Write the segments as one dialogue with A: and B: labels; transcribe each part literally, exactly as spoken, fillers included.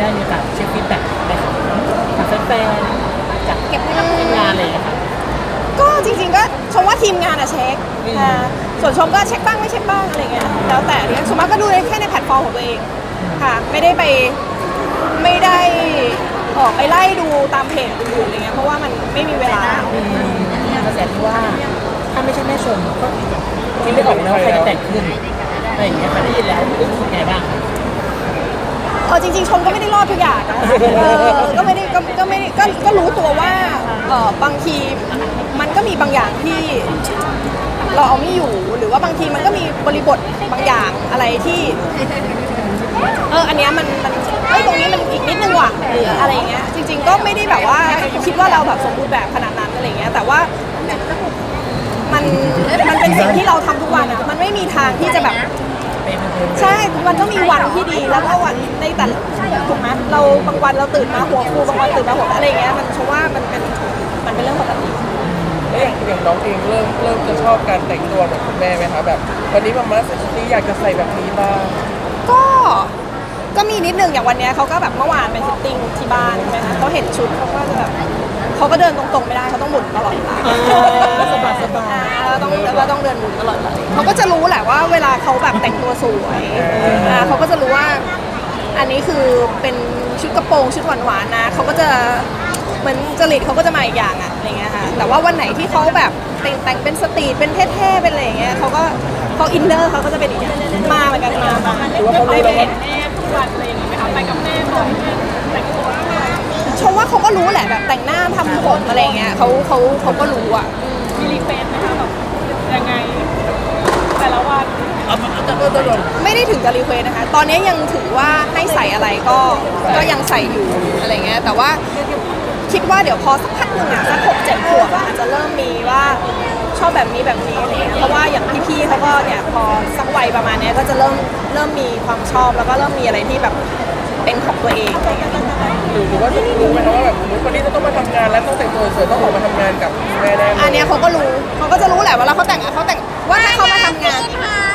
A: ได้มีโอกาสเช็คฟีดแบ็กไปจากแฟนๆจากเก็บให้กับทีมงานอะไรอย่างเงี้ยค่ะ
B: ก็จริงๆก็ชมว่าทีมงานอะเช็คค่ะส่วนชมก็เช็คบ้างไม่เช็คบ้างอะไรเงี้ยแล้วแต่เนี่ยสมมติก็ดูแค่ในแพลตฟอร์มของตัวเองค่ะไม่ได้ไปไม่ได้ออกไปไล่ดูตามเพจอื่นๆอะไรเงี้ยเพราะว่ามันไม่มีเวลาก
A: ระแสที่ว่าถ้าไม่ใช่แม่ชมก็คิดไม่ออกแล้วใครจะแต่งขึ้นอะไรอย่างเงี้ยค่ะได้ยินแล้วรู้สึกไงบ้าง
B: เออจริงๆชมก็ไม่ได้รอดทุกอย่างนะเออก็ไม่ได้ก็ก็ไม่ได้ก็ก็รู้ตัวว่าเออบางทีมันก็มีบางอย่างที่เราเอาไม่อยู่หรือว่าบางทีมันก็มีบริบทบางอย่างอะไรที่เอออันเนี้ยมันมันเอ้ยตรงนี้มันอีกนิดนึงว่ะหรืออะไรเงี้ยจริงๆก็ไม่ได้แบบว่าคิดว่าเราแบบสมบูรณ์แบบขนาดนั้นอะไรเงี้ยแต่ว่ามันมันเป็นสิ่งที่เราทำทุกวันอ่ะมันไม่มีทางที่จะแบบใช่มันต้องมีวันที่ดีแล้วก็วันในแต่ถูกไหมเราบางวันเราตื่นมาหัวฟูบางวันตื่นมาหัวอะไรเงี้ยมันเพราะว่ามันเป็นมันเป็นเรื่องปกติ
C: แล้วอย่างอย่างน้องเองเริ่มเริ่มจะชอบการแต่งตัวแบบคุณแม่ไหมคะแบบวันนี้มาม่าใส่ชุดนี้อยากจะใส่แบบนี้บ้าง
B: ก็ก็มีนิดนึงอย่างวันนี้เขาก็แบบเมื่อวานเป็นฟิตติ้งที่บ้านใช่ไหมคะเขาเห็นชุดเขาก็จะแบบเขาก็เดินตรงๆไม่ได้เขาต้องหมุนตลอดเวลา
A: สบายสบาย
B: แล้วต้องแล้วต้องเดินหมุนตลอดเลยเขาก็จะรู้แหละว่าเวลาเขาแบบแต่งตัวสวยเขาก็จะรู้ว่าอันนี้คือเป็นชุดกระโปรงชุดหวานๆนะเขาก็จะเหมือนจริตเขาก็จะมาอีกอย่างอะอะไรเงี้ยค่ะแต่ว่าวันไหนที่เขาแบบแต่งแต่งเป็นสตรีทเป็นเท่ๆเป็นอะไรเงี้ยเขาก็เขาอินเนอร์เขาก็จะเป็นอีกอย่างมาเหมือนกันมามาได้ไปเห็นแม่ทุกวันอะไรอย่างเงี้ยไหมคะไปกับแม่บ่อยแต่งตัวชมว่าเขาก็รู้แหละแบบแต่งหน้าทำผมอะไรเงี้ยเขาเขาเขาก็รู้อ่ะ
D: มีรีเฟรนไหมคะแบบยังไงแต่ละวัน
B: ไม่ได้ถึงจะรีเควสนะคะตอนนี้ยังถือว่าให้ใส่อะไรก็ก็ยังใส่อยู่อะไรเงี้ยแต่ว่าคิดว่าเดี๋ยวพอสักพักหนึ่งอ่ะสักหกเจ็ดขวบอาจจะเริ่มมีว่าชอบแบบนี้แบบนี้อะไรเงี้ยเพราะว่าอย่างพี่ๆเขาก็เนี่ยพอสักวัยประมาณนี้ก็จะเริ่มเริ่มมีความชอบแล้วก็เริ่มมีอะไรที่แบบเป็นของตัวเองอะไรเงี้ย
C: หรือว่าจะรู้ไหมคะว่าแบบคนนี้จะต้องมาทำงานแล้วต้องแต่งตัวสวยต้องออกมาทำงานกับแม่แน่
B: อันนี้เขาก็รู้เขาก็จะรู้แหละว่าเราเขาแต่งเขาแต่งว่าถ้าเขามาทำงาน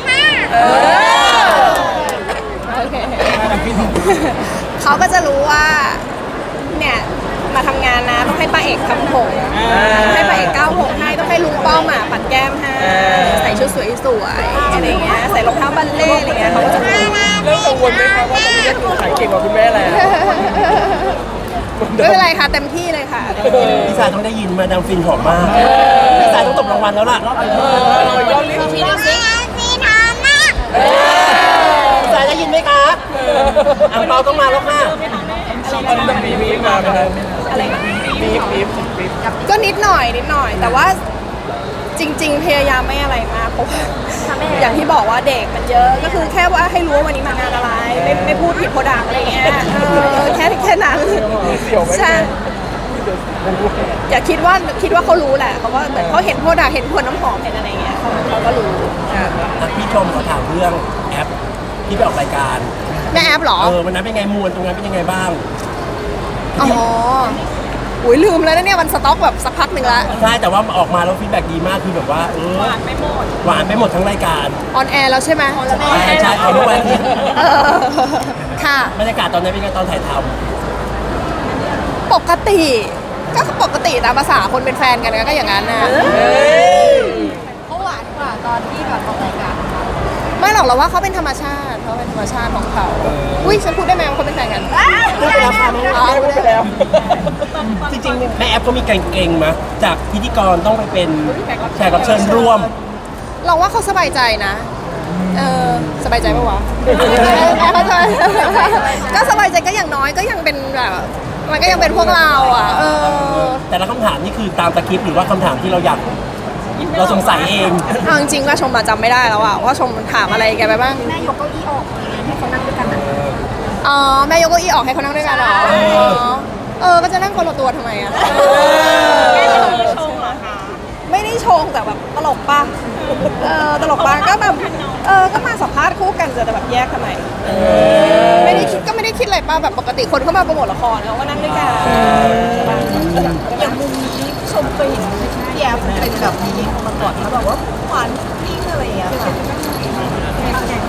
B: โอเคเขาก็จะรู้ว่าเนี่ยมาทำงานนะต้องให้ป้าเอกทำผมให้ป้าเอกก้าวผมให้ต้องให้ลุงป้อมอ่ะปัดแก้มให้ใส่ชุดสวยๆอะไรเงี้ยใส่รองเท้าบัลเล่อะไรเงี้ยเขาก็จะรู้
C: เรื่องกังวลไหมคะว่าตอนนี้ก็คือขายเก่งกว่าคุณแม่แล้ว
B: ไม่เป็นไรค่ะเต็มที่เลยค่ะ
A: พี่สายต้องได้ยินมาดามฟินหอมมากพี่สายต้องตบรางวัลแล้วล่ะ
C: ยอดลิ้น
B: พี่ดูสิพี่ทำนะ
A: พี่สายได้ยินไหมคะอ่างเปาต้องมาแล้วค่ะ
C: ตอนนี้ต้องมีมีมาไหมครับ
B: อะไร
C: มีมีมีมี
B: ก็นิดหน่อยนิดหน่อยแต่ว่าจริงๆพยายามไม่อะไรมากเพราะอย่างที่บอกว่าเด็กมันเยอะก็คือแค่ว่าให้รู้ว่าวันนี้มางานอะไรไม่ไม่พูดผิดโปรดักอะไรเงี้ยแค่แค่นั้นใช่อย่าคิดว่าคิดว่าเขารู้แหละเขาว่าเหมือนเขาเห็นโปรดักเห็นขวดน้ำหอมเห็นอะไรเงี้ยเขาเขาก็รู้
A: พี่ชมเขาถามเรื่องแอปที่ไปออกรายการ
B: แม่แอปหรอ
A: เออวันนั้นเป็นไงมวลตรงนั้นเป็นยังไงบ้าง
B: อ๋ออุ้ยลืมแล้วนะเนี่ยมันสต็อกแบบสักพักหนึ่งละ
A: ใช่แต่ว่าออกมาแล้วฟีดแบ็กดีมากคือแบบว่าเออ
D: หวานไม่หมด
A: หวานไม่หมดทั้งรายการ
B: ออนแอร์แล้วใช่ไหม
A: ใช่ใช่เอาด้วย
B: ค่ะ
A: บรรยากาศตอนนั้นเป็นไงตอนถ่ายท
B: ำปกติก็ปกติตามภาษาคนเป็นแฟนกันก็อย่างนั้นนะ
D: เขาหวานกว่าตอนที่แบบออกรายการ
B: ไม่หรอกเราว่าเขาเป็นธรรมชาติเขาเป็นธรรมชาติของเขาอุ้ยฉันพูดได้ไหมว่าเขาเป็นแฟนกัน
A: พูดไปแล้วค่ะ
C: พูดไปแล้ว
A: จริงๆแม่แอปก็มีเก่งๆมาจากพิธีกรต้องไปเป็นแขกรับเชิญร่วม
B: เราว่าเขาสบายใจนะเออสบายใจปะวะเข้าใจก็สบายใจก็อย่างน้อยก็ยังเป็นแบบมันก็ยังเป็นพวกเราอ่ะเออ
A: แต่ละคำถามนี่คือตามสคริปต์หรือว่าคำถามที่เราอยากเราสงสัยเอง
B: เอาจริงๆว่าชมจำไม่ได้แล้วอะว่าชมถามอะไรแกไปบ้าง
D: แม่ยกเก้าอี้ออกให้เขานั่งด้วยกัน
B: อ๋อแม่ยกเก้าอี้ออกให้เขานั่งด้วยกันเหรอเออก็จะนั่งคนละตัวทำไมอะ
D: แม่จะมีชงเหรอคะ
B: ไม่ได้ชงแต่แบบตลกป่ะเออตลกป่ะก็แบบเออก็มาสัมภาษณ์คู่กันจะแบบแยกทำไมไม่ได้คิดก็ไม่ได้คิดอะไรป่ะแบบปกติคนเข้ามาโปรโมทละครเขาก็นั่งด้วยกัน
D: อย่างมุมนี้ชมเคยเห็นพี่แอฟเป็นแบบนี้มาก่อนแล้วแบบว่าหวานนิ่งอะไรอย่างเงี้ยค่ะ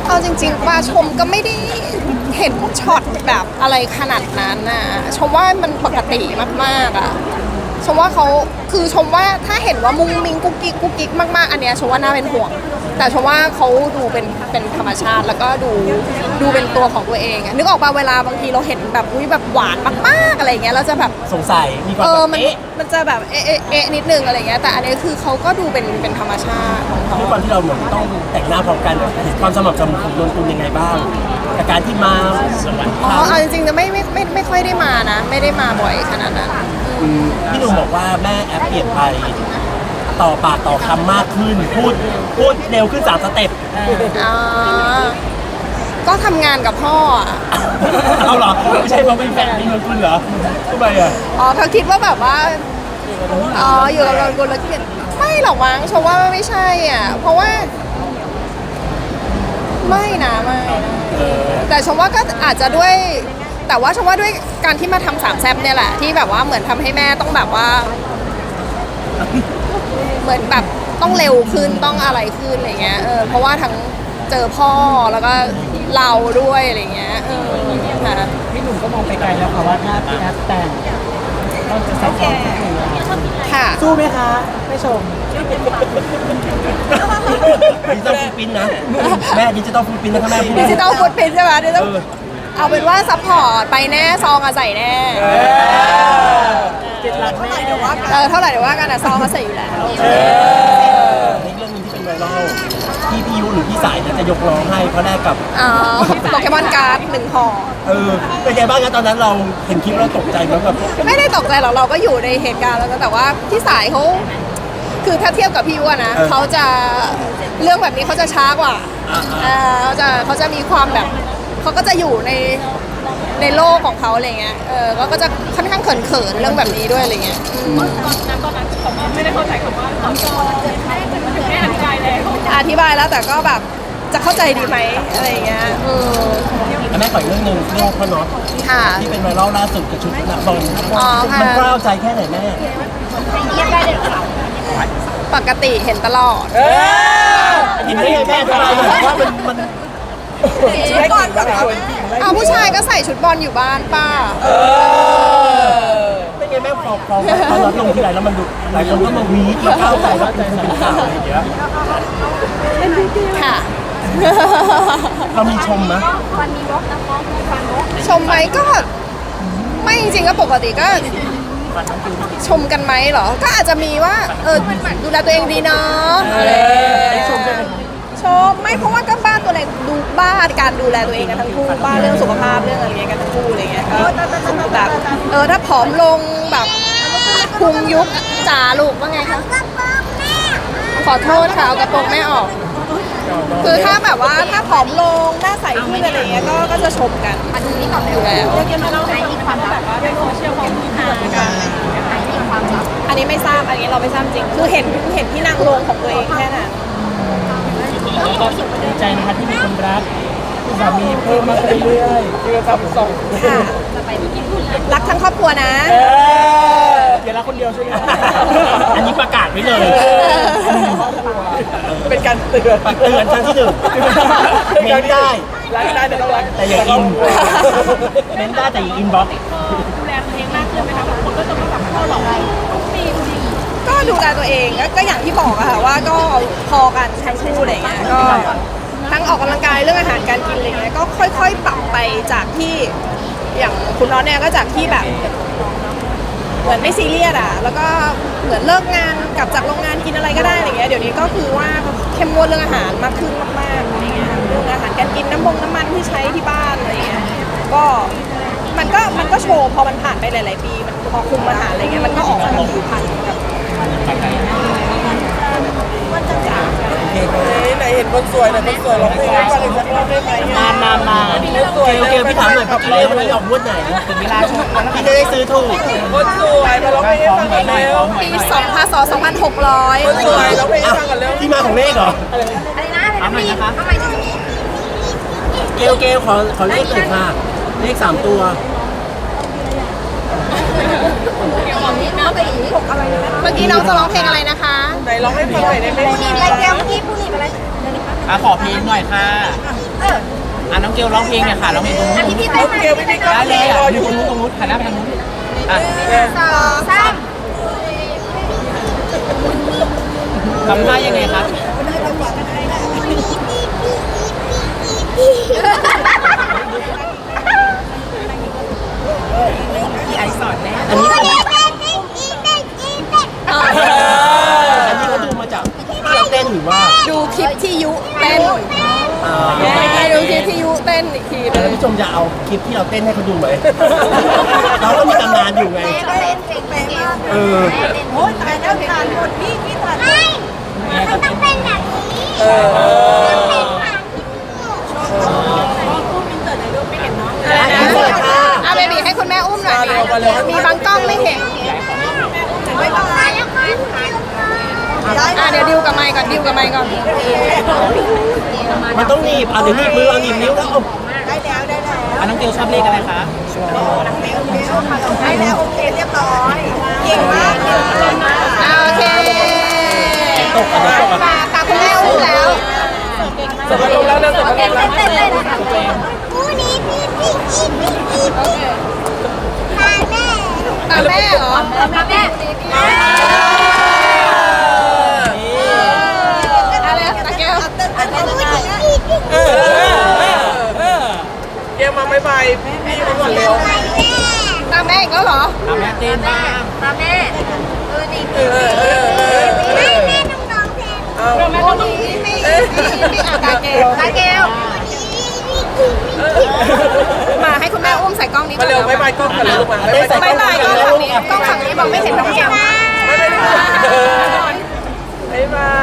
B: เอาจริงๆว่าชมก็ไม่ได้เห็นช็อตแบบอะไรขนาดนั้นนะชมว่ามันปกติมากๆอะชมว่าเขาคือชมว่าถ้าเห็นว่ามุ้งมิ้งกุ๊กกิ๊กกุ๊กกิ๊กมากๆอันเนี้ยชมว่าน่าเป็นห่วง แต่ชมว่าเขาดูเป็นเป็นธรรมชาติแล้วก็ดูดูเป็นตัวของตัวเองอะนึกออกป่ะเวลาบางทีเราเห็นแบบอุ้ยแบบหวานมากๆอะไรเงี้ยเราจะแบบ
A: สงสัยมีความ
B: เอ
A: แบ
B: อบ มัน
A: เอ๊ะ
B: มันจะแบบเอ๊ะเอ๊ะเอ๊ะนิดนึงอะไรเงี้ยแต่อันนี้คือเขาก็ดูเป็นเป็นธรรมชาติของเขา
A: ด้วยความที่เราเหมือนต้องแต่งหน้าพร้อมกันเห็นความสม่ำเสมอของนนกุลยังไงบ้างกับการที่มาสวรรค์
B: อ๋อเอาจริงๆจะไม่ไม่ไม่ไม่ค่อยได้มานะ ไม่ได้มาบ่อยขนาดนั้น
A: พี่หนุ่มบอกว่าแม่แอปเปลี่ยนไปต่อปากต่อคำมากขึ้น พูดพูดเร็วขึ้นสามสเต็ป
B: อ๋อก็ทำงานกับพ่ออะ
A: เอาเหรอไม่ใช่เพราะเป็นแฟนพี่นนกุลเหรอทำไมอ่ะ
B: อ๋อเขาคิดว่าแบบว่าอ๋ออยู่กับเรากุลแล้วเกลียดไม่หรอกมั้งชมว่าไม่ใช่อ่ะเพราะว่า ไม่นะไม่นะแต่ชมว่าก็อาจจะด้วย แต่ว่าชมว่าด้วยการที่มาทำสามแซบเนี่ยแหละที่แบบว่าเหมือนทำให้แม่ต้องแบบว่า เหมือนแบบต้องเร็วขึ้นต้องอะไรขึ้นอะไรเงี้ยเออเพราะว่าทั้งเจอพ่อแล้วก็เราด้วยอะไรเงี้ยเออค่ะ
A: พี่หนุ่มก็มองไปไกลแล้วค่ะว่าถ้าพี่แอปแต่งต้องจะใส่ซองสักที
B: ค่ะ
A: สู้ไหมคะไม่ชมดิจิตอลฟูดปรินท์นะแม่ดิจิตอลฟูดปรินท์นะถ้าแม่พูด
B: ดิจิตอลฟุตพิ้นใช่ไหมดิจิตอลเอาเป็นว่าซัพพอร์ตไปแน่ซองอะใส่แน่
A: เจ็ดหลักแม่
B: เออเท่าไหร่เดี๋ยวว่ากันอะซองก็ใส่อยู่แล้ว
A: ในเรื่องนึงที่เป็นไวรัลที่พี่ยุหรือพี่สายเนี่ยจะยกร้องให้เพราะแรกกับ
B: อ๋อโปเกมอนการ์ดหนึ่งห่อ
A: เออเป็นไงบ้างนะตอนนั้นเราเห็นคลิปเราตกใจไหมแบบ
B: ไม่ได้ตกใจหรอกเราก็อยู่ในเหตุการณ์แล้วก็แต่ว่าพี่สายเขาคือถ้าเทียบกับพี่ยุอะนะเขาจะเรื่องแบบนี้เขาจะช้ากว่าเออเขาจะเขาจะมีความแบบเขาก็จะอยู่ในในโลกของเขาอะไรเงี้ยเออก็ก็จะค่อนข้างเขินๆเรื่องแบบนี้ด้วยอะไรเงี้ยอืม
D: ตอนนั้นตอนนั้นเขาไม่ได้เข้าใจคำว่าตอนจอแม่อธิบายแล้ว
B: อธิบายแล้วแต่ก็แบบจะเข้าใจดีไหมอะไรเงี้ยเออ
A: แม่ขออีกเรื่องหนึ่งเรื่องพ่อน็อต
B: ค่ะ
A: ที่เป็นไวรัลล่าสุดกับชุดนักบอล
B: อ๋อค่ะ
A: มันกล้าวใจแค่ไหนแม่
D: เรียกได้เลยค่ะ
B: ปกติเห็นตลอด
A: เห็นได้ไงแม่ทำไมว่ามันมัน
C: ชุดก่อนแบบ
B: เอาผู้ชายก็ใส่ชุดบอลอยู่บ้านป้า
A: เป็นไงแม่พอพอพอน็อตลงทีไรแล้วมันดูหลายคนก็มาวีดมาเข้าใจว่ามันเป็นข่าวอะไรอย่างเงี้ย
B: ค่ะ
A: เรามีชมไหม
D: วันนี้วอกนะฟ้องฟันวอก
B: ชมไหมก็ ไม่จริงๆก็ปกติก็ ชมกันไหมเหรอ ก็อาจจะมีว่า เออดูแลตัวเองดีเนาะอะไรอย่างเงี้ย
A: ชมใช่ไหม
B: ชมไม่เพราะว่าก็บ้านตัวเองดูบ้านการดูแลตัวเองกันทั้งคู่บ้านเรื่องสุขภาพเรื่องอะไรเงี้ยกันทั้งคู่อะไรเงี้ยก็แบบเออถ้าผอมลงแบบพุงยุบจ๋าลูกว่าไงคะขอโทษค่ะเอากระโปรงแม่ออก คือถ้าแบบว่าถ้าผอมลงหน้าใสขึ้นอะไรเงี้ยก็ก็จะชมกันอยู่แล้ว
D: เรียกมาเล่าให้มีความแบบว่าในโซเชียลเขามีหากันมีความลับ
B: อันนี้ไม่ทราบอันนี้เราไม่ทราบจริง คือเห็นเห็นที่นางลงของตัวเองแค่นั้น
A: แล้วก็ดีใจนะคะที่มีคนรักสามีเพิ่มมากขึ้นเรื่อยๆที่เราทำส่ง
B: ค่ะรักทั้งครอบครัวนะ
A: อย่ารักคนเดียวใช่ไหมอันนี้ประกาศไว้เลย
C: เป็นการเตือน
A: ปักเตือนครั้งที่หนึ่งเม้นได้
C: รักได้แต่ต้องรัก
A: แต่อย่าอินเม้นได้แต่อย่าอินบ็อกซ์
D: ดูแลตัวเองมากขึ้นไหมคะบางคนก็จะมาแบบเข้าหลอกเรามีจริง
B: ก็ดูแลตัวเองก็ก็อย่างที่บอกอะค่ะว่าก็พอกันทั้งคู่อะไรเงี้ยก็ทั้งออกกำลังกายเรื่องอาหารการกินอะไรเงี้ยก็ค่อยๆปรับไปจากที่อย่างคุณน้องเนี่ยก็จากที่แบบ เหมือนไม่ซีเรียสอะแล้วก็เหมือนเลิกงานกลับจากโรงงานกินอะไรก็ได้อะไรเงี้ยเดี๋ยวนี้ก็คือว่าเข้มงวดเรื่องอาหารมากขึ้นมากๆอะไรเงี้ยเรื่องอาหารการกินน้ำมงน้ำมันที่ใช้ที่บ้านอะไรเงี้ยก็มันก็มันก็โชว์พอมันผ่านไปหลายๆปีมันพอคุมอาหารอะไรเงี้ยมันก็ออกมาผิวพรรณแบบ
C: ไหนเห็นคนสวยไหนคนสวยร้องเพลงให้ฟังอีกสักรอบได้ไหม
A: มามามาโอเคโอเคพี่ถามหน่อยพี่เลี้ยงมันออกงวดไหนถึงเวลาพี่จะได้ซื้อถูก
C: คนสวยมาร้องเพลงให้ฟังกันเร็ว
B: ปีสองพศสองพันหกร้อย
C: คนสวยร้องเพลงให้ฟังกันเร็ว
A: ที่มาของเลขเหรอ
D: อะไรนะอะไรนะทำไมจะ
A: เกลเกลขอขอเลขหน่อยค่ะเลขสามตัว
B: เมื่อกี้น้องจะร้องเพลงอะไรนะคะ
C: ไหนร้องให้ฟังหน่อยได้ไหม
D: ผู้หญิงอะไรแก้วเมื่อกี้ผู้หญิงอะไร
A: อ่ะขอเพลงหน่อยค่ะ
D: เอ
E: อ่ะน้องเกลร้องเพลงเนี่ยค่ะร้องเพลงตรงนู้น
D: พี่พี่
C: น้องเกลไม่ได้ก็
E: ได้เลย
C: ร
E: อ่ะ
C: ออ
E: อยู่
C: ยู่
E: ตรงนู้นตรงนู้นหันหน้าไปทางนู้นอ่ะ
D: สองสาม
E: ทำท่ายังไงครับ
D: พี่ไอซ์สอนแน่
A: อันนี้อันนี้เขาดูมาจากที่เราเต้นหรือว่า
B: ดูคลิปที่ยุเต้น
A: อ่า
B: ไปดูคลิปที่ยุเต้นอีกทีหนึ
A: ท่าน
B: ง
A: ผู้ชมจะเอาคลิปที่เราเต้นให้เขาดูไหม เราก็มีตำนานอยู่ไง
D: ก็เล่นเพลงเพลง
A: เออ
D: โอ้ยตายแล้วทานหมดพี่พี่ทานไม่มันต้องเป็นแบบนี้
C: เออ
B: อ่ะเบบีให้คุณแม่อุ้มหน่อย
C: มาเร็วมาเร็ว
B: มีบางกล้องไม่เห็น
D: ไม่ต้องมาแล้วค่ะ
B: อ่ะเดี๋ยวดิวกับไมค์ก่อนดิวกับไมค์ก่อน
A: มันต้องหนีบอ่ะเดี๋ยวหนีบมือเอาหนีบนิ้วแล้วเอา
D: ได้แล้วได้แล้ว
E: อ่ะน้องเกลชอบเลขอะไรคะ
D: ได้แล้วโอเคเรียบร้อยเก่งมากเก่งมาก
B: อ่ะโอเค
A: ตกอ่ะเดี๋ยวตกอ่ะ
B: มาตาคุณแม่อุ้มแล้ว
C: เสร็จมาลงแล้วนะเสร็จมาลงแล้ว
D: เต้นเต้นคู่นี้พี่พี่พี่พี่
B: โอเค
D: ตาแม่
B: ตาแม่เหรอ
D: ตาแม่
B: อะไรตาแก้ว
D: เต้นเต้นเต้นเต้น
C: เออเออเกลมาบายบายพี่เขาก่อนเร็ว
B: ตาแม่อีกแล้วเหรอ
E: ทำแม่เต้นบ้าง
D: ตาแม่เออดี
C: เออเออเออเออ
D: แม่แม่ต้องร้องเพลง
C: เอา
B: โอ้นี่นี่นี่นี่อ่ะตาแก้ว
D: ตาเกล
B: มาให้คุณแม่อุ้มใส่กล้องนี้
C: มาเร็วบายบายกล้องกันเร็วมาบายบาย
B: บายบายกล้องฝั่งนี้กล้องฝั่งนี้มองไม่เห็นน้องแก้ว
C: บายบายบาย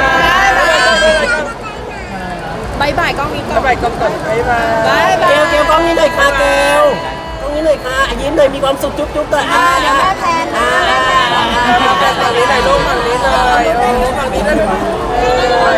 B: บายบายกล้องนี้ก่อน
C: บายบายกล้องก่อนบายบาย
B: บายบา
A: เก
B: ย
A: ลเกลกล้องนี้หน่อยค่ะเกลกล้องนี้หน่อยค่ะอ่ะยิ้มหน่อยมีความสุขจุ๊บจุ๊บหน่อยอ่า
D: เดี๋ยวแม่แทน
A: อ่า
C: ฝั่งนี้ไหนลูกฝั่งนี้